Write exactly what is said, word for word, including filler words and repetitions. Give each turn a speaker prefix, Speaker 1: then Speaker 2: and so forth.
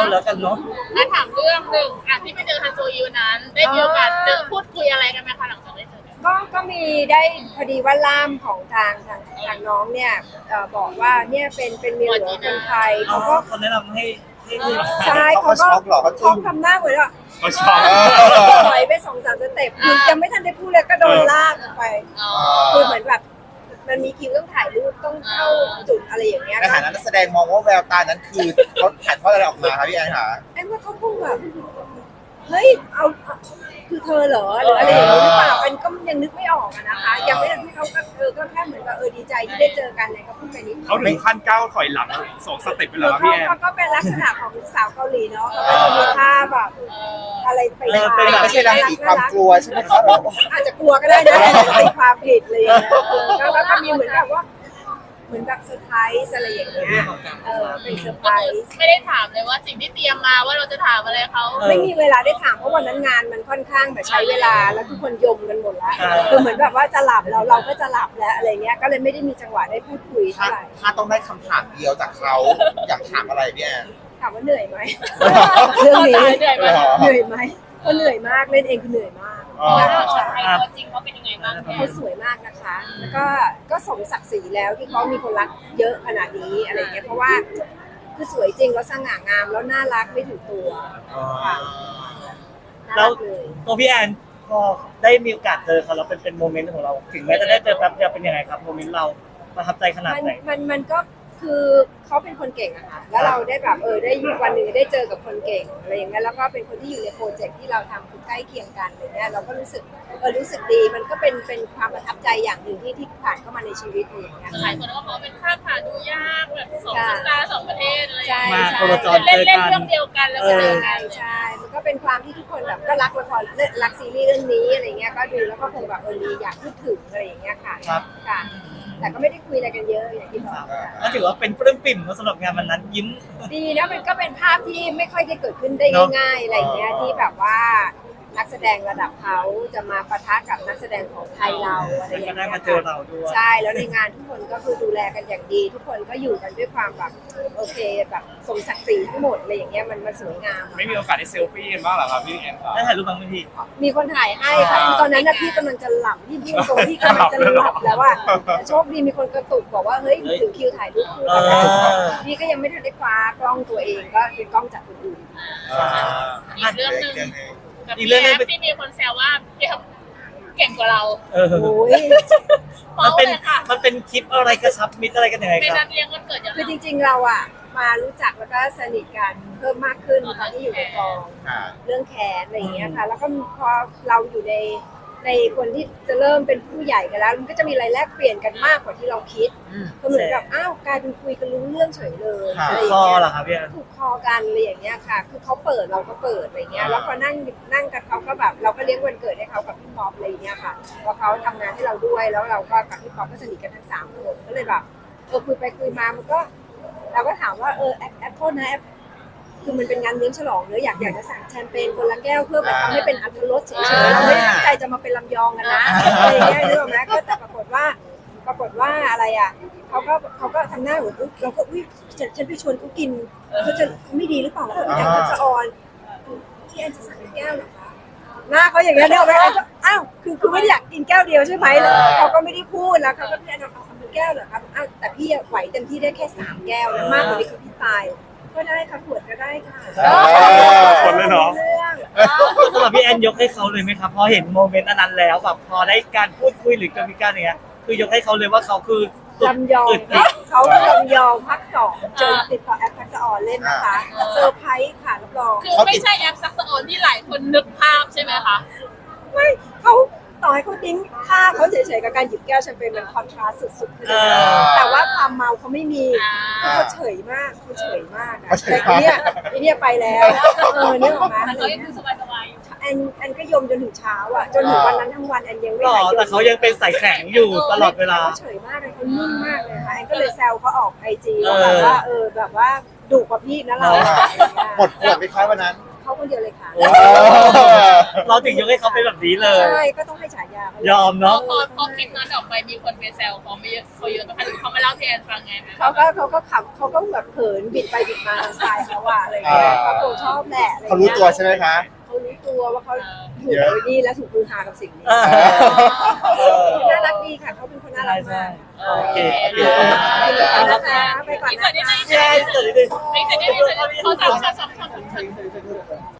Speaker 1: แล้วกันเนาะ
Speaker 2: ถ้าถามเรื่องหนึ่งอ่ะที่ไปเจอฮันโซอีวันนั้นได้มีโอกาสเจอพูดคุยอะไรกันไหมคะหลังจากได้เจอกัน
Speaker 3: ก็ก็มีได้พอดีว่าล่ามของทางทางทางน้องเนี่ยบอกว่าเนี่ยเป็นเป็นเมียหลวงคนไทยเขาก็
Speaker 1: เขาแนะนำให้ให้
Speaker 3: ใช่เขาก็เขาทำหน้าเหมือนว่า
Speaker 4: เขาชอบ
Speaker 3: ถอยไปสองสามสเต็ปคือยังไม่ทันได้พูดเลยก็โดนลากออกไปคือเหมือนแบบมันมีคิวต้องถ่ายรูปต้องเข้าจุดอะไรอย่างเงี้ย
Speaker 5: ในฐานะนักแสดงมองว่าแววตานั้นคือเขาถ่ายทอดอะไรออกมาครับพี่แอนคะ
Speaker 3: แอนว่าเขาคงแบบเฮ้ยเอาคือเธอเหรอหรืออะไรอย่างนี้หรือเปล่าแอนก็ยังนึกไม่ออกนะคะยังไม่ทันที่เขาก็เออก็แค่เหมือนแบบเออดีใจที่ได้เจอกันเนี่ยเขาพูดไปนิด
Speaker 4: เขาถึงขั้นก้าวถอยหลังสองสเต็ปไปแล้วพี่แอน
Speaker 3: เขาก็เป็นลักษณะของสาวเกาหลีเนาะเขาก็จะมีท่าแบบอะไรไป
Speaker 5: ไม่ใช่รังสีความกลัวใช่ไหมครับ
Speaker 3: อาจจะกลัวก็ได้นะเป็นความผิดเลยแล้วก็มีเหมือนแบบว่าเหมือนแบบเซอร์ไพรส์อะไรอย่างเงี้ยเออเป็นเซอร์ไพรส์
Speaker 2: ไม่ได้ถามเลยว่าสิ่งที่เตรียมมาว่าเราจะถามอะไรเขา
Speaker 3: ไม่มีเวลาได้ถามเพราะวันนั้นงานมันค่อนข้างแบบใช้เวลาแล้วทุกคนยมกันหมดแล้วคือเหมือนแบบว่าจะหลับเราเราก็จะหลับแล้วอะไรเงี้ยก็เลยไม่ได้มีจังหวะได้พูดคุยเท่าไหร่
Speaker 5: ถ้าต้องได้คำถามเดียวจากเขาอยากถามอะไรพี่แอน
Speaker 3: ถามว่าเหนื่อยไหมเรื่องนี้เหนื่อยไหมเหนื่อยไหมก็เหนื่อยมากเล่นเองคือเหนื่อยมาก
Speaker 2: ใช่ตัวจริงเขาเป็นยังไงบ้าง
Speaker 3: เขาสวยมากนะคะแล้วก็ก็สมศักดิ์ศรีแล้วที่เขามีคนรักเยอะขนาดนี้อะไรเงี้ยเพราะว่าคือสวยจริงแล้วสง่างามแล้วน่ารักไม่ถือตัวค่ะ
Speaker 1: แล้วตัวพี่แอนพอได้มีโอกาสเจอเขาแล้วเป็นเป็นโมเมนต์ของเราถึงแม้จะได้เจอแป๊บเดียวเป็นยังไงครับโมเมนต์เราประทับใจขนาดไหน
Speaker 3: มันมันก็คือเขาเป็นคนเก่งอะค่ะแล้วเราได้แบบเออได้วันหนึ่งได้เจอกับคนเก่งอะไรอย่างเงี้ยแล้วก็เป็นคนที่อยู่ในโปรเจกต์ที่เราทำคือใกล้เคียงกันอะไรเงี้ยเราก็รู้สึกเออรู้สึกดีมันก็เป็นเป็นความประทับใจอย่างหนึ่งที่ที่ผ่านเข้ามาในชีวิตอย่างเงี้ย
Speaker 2: หลายคนก็บอกเป็นภาพผ่านดูยากแบบสองสัปดาห์สองประเทศอะไรอย่าง
Speaker 1: เงี้ยมาโคจร
Speaker 2: เล่นเล่นเรื่องเดียวกันแล้วก็เจอกัน
Speaker 3: ใช่มันก็เป็นความที่ทุกคนแบบก็รักละครรักซีรีส์เรื่องนี้อะไรเงี้ยก็ดูแล้วก็คงแบบเออดีอยากพูดถึงอะไรอย่างเงี้ยค่ะค่ะแต่ก็ไม่ได้คุยอะไรกันเยอะอย่างที่บอก
Speaker 1: ก็ถือว่าเป็นปลื้มปิ่มสำหรับงานวันนั้นยิ้ม
Speaker 3: ดีนะมันก็เป็นภาพที่ไม่ค่อยได้เกิดขึ้นได้ง่ายๆอะไรเงี้ยที่แบบว่านักแสดงระดับเขาจะมาปะทะกับนักแสดงของไทยเราอะไรอย่างเงี้ย
Speaker 1: ได้มาเจอเราด้วย
Speaker 3: ใช่แล้วในงานทุกคนก็คือดูแลกันอย่างดีทุกคนก็อยู่กันด้วยความแบบโอเคแบบสมศักดิ์ศรีทั้งหมดอะไรอย่างเงี้ยมันมันสวยงาม
Speaker 4: ไม่มีโอกาสได้เซลฟี่กันบ้างหรอครับพี่แอน
Speaker 1: ได้ถ่ายรูปบ้างไหมพี่
Speaker 3: มีคนถ่ายให้ค่ะตอนนั้นนะพี่กำลังจะหลับที่พี่ตรงที่กำลังจะหลับแล้วว่าโชคดีมีคนกระตุกบอกว่าเฮ้ยถึงคิวถ่ายรูปคู่กันแล้วพี่ก็ยังไม่ทันได้คว้ากล้องตัวเองก็เป็นกล้องจากคนอื่น
Speaker 2: อีกเรื่องนึงอีกเรื่องนึงที่มีคนแซวว่าเก่งกว่าเรา
Speaker 1: เออมันเป็นมันเป็นคลิปอะไรกระชับมิตรอะไรกันยังไงครับ
Speaker 2: เป็นนัดเลี้ยงวันเกิดอย่าง
Speaker 3: คือจริงๆเราอ่ะมารู้จักแล้วก็สนิทกันเพิ่มมากขึ้นตอนที่อยู่ในกองเรื่องแขนอะไรอย่างเงี้ยค่ะแล้วก็พอเราอยู่ในในคนที่จะเริ่มเป็นผู้ใหญ่กันแล้วมันก็จะมีอะไรแลกเปลี่ยนกันมากกว่าที่เราคิดก็เหมือนแบบอ้าวกลายเป็นคุยกันรู้เรื่องเฉยเลย
Speaker 1: อะไรอย่างเงี้ยเหรอครับพี่
Speaker 3: ถูกคอกันอะไรอย่างเงี้ยค่ะคือเขาเปิดเราก็เปิดอะไรเงี้ยแล้วพอนั่งนั่งกันเขาก็แบบเราก็เลี้ยงวันเกิดให้เขากับพี่ป๊อปอะไรเงี้ยค่ะพอเขาทำงานให้เราด้วยแล้วเราก็กับพี่ป๊อปก็สนิทกันทั้งสามคนก็เลยแบบเออคุยไปคุยมามันก็เราก็ถามว่าเออแอปแอปโทษนะแอปคือมันเป็นงานเลี้ยงฉลองเนอะอยากอยากจะสั่งแชมเปญคนละแก้วเพื่อแบบทำให้เป็นอรรถรสเฉยๆเราไม่ได้ตั้งใจจะมาเป็นลำยองกันนะอะไรอย่างเงี้ยนึกออกไหมก็แต่ปรากฏว่าปรากฏว่าอะไรอ่ะเขาก็เขาก็ทำหน้าเหมือนเราก็อุ้ยฉันฉันไปชวนเขากินเขาจะไม่ดีหรือเปล่าแล้วอยากจะสะออนที่แอนจะสั่งแก้วหรอคะหน้าเขาอย่างเงี้ยนึกออกไหมอ้าวคือคือไม่ได้อยากกินแก้วเดียวใช่ไหมเขาก็ไม่ได้พูดแล้วเขาก็พี่แอนเอาเอาแก้วเหรอครับอ้าวแต่พี่ไหวเต็มที่ได้แค่สามแก้วนะมากกว่านี้คือพี่ตายก็ได้ค่ะขวดก็ได้ค่ะ
Speaker 4: คนเลยเนาะ
Speaker 1: สำหรับพี่แอนยกให้เขาเลยไหมครับพอเห็นโมเมนต์อันนั้นแล้วแบบพอได้การพูดคุยหรือการมีการอย่างเงี้ยคือยกให้เขาเลยว่าเขาคือ
Speaker 3: ลำยองเขาลำยองพักสองเจอติดต่อแอปทักษะออนเล่นนะคะเซอร์ไพรส์ค่ะรับรอง
Speaker 2: คือไม่ใช่แอปทักษะออนที่หลายคนนึกภาพใช่ไหมคะ
Speaker 3: ไม่เขาต่อให้เขาดิ้งค่าเขาเฉยๆกับการหยิบแก้วแชมเปญมันคอนทราสต์สุดๆเลยแต่ว่าความเมาเขาไม่มีเขาเฉยมากเขาเฉยมากแต่ทีเนี้ยทีเนี้ยไปแล้วเออเนี่ยออกมา
Speaker 2: เขายังดูสบาย
Speaker 3: ๆแอนแอนก็ยมจนถึงเช้าอ่ะจนถึงวันนั้นทั้งวันแอนยังไม่หายยม
Speaker 1: แต่เขายังเป็นสายแข็งอยู่ตลอดเวลา
Speaker 3: เขาเฉยมากเลยเขานิ่งมากเลยค่ะแอนก็เลยแซวเขาออกไอจีแบบว่าเออแบบว่าดุกว่าพี่นะเรา
Speaker 5: หมดขวดไปคล้ายวันนั้น
Speaker 3: เขาคนเดียวเลยค่ะ
Speaker 1: โอ้เราถึงยกให้เขาเป็นแบบนี้เลย
Speaker 3: ใช่ก็ต้องให้ฉายาเขา
Speaker 1: ยอม
Speaker 2: พอ
Speaker 1: เนาะ
Speaker 2: พอพอคลิปนั้นออกไปมีคนไปแซวเขาไม่เยอะเขาเยอะไหมคะหรือเขามาเล่าที่แอนฟังไงไหม
Speaker 3: เขาก็เขาก็ขับเขาก็แบบเขินบิดไปบิดมาสไตล์เขาอะอะไรเงี้ยเขาคงชอบแหละอะไร
Speaker 5: เขารู้
Speaker 3: เงี้ย
Speaker 5: ตัวใช่ไหมคะ
Speaker 3: เขารู้ตัวว่าเขาถูก
Speaker 5: เยอะ
Speaker 3: นี่และถูกคือฮากับสิ่งนี้
Speaker 1: เออ
Speaker 3: น่ารักดีค่ะเขาเป็นคนน่ารักมาก
Speaker 1: โอเคโอเค
Speaker 3: ขอบคุณนะคะไปก่อน
Speaker 2: อีก
Speaker 3: นะ
Speaker 2: ส่วนนิดนึง
Speaker 1: แย่สุดนิดนึง
Speaker 2: อีกส่วนนิดนึงขอสามช็อตสามช็อตสามช็อต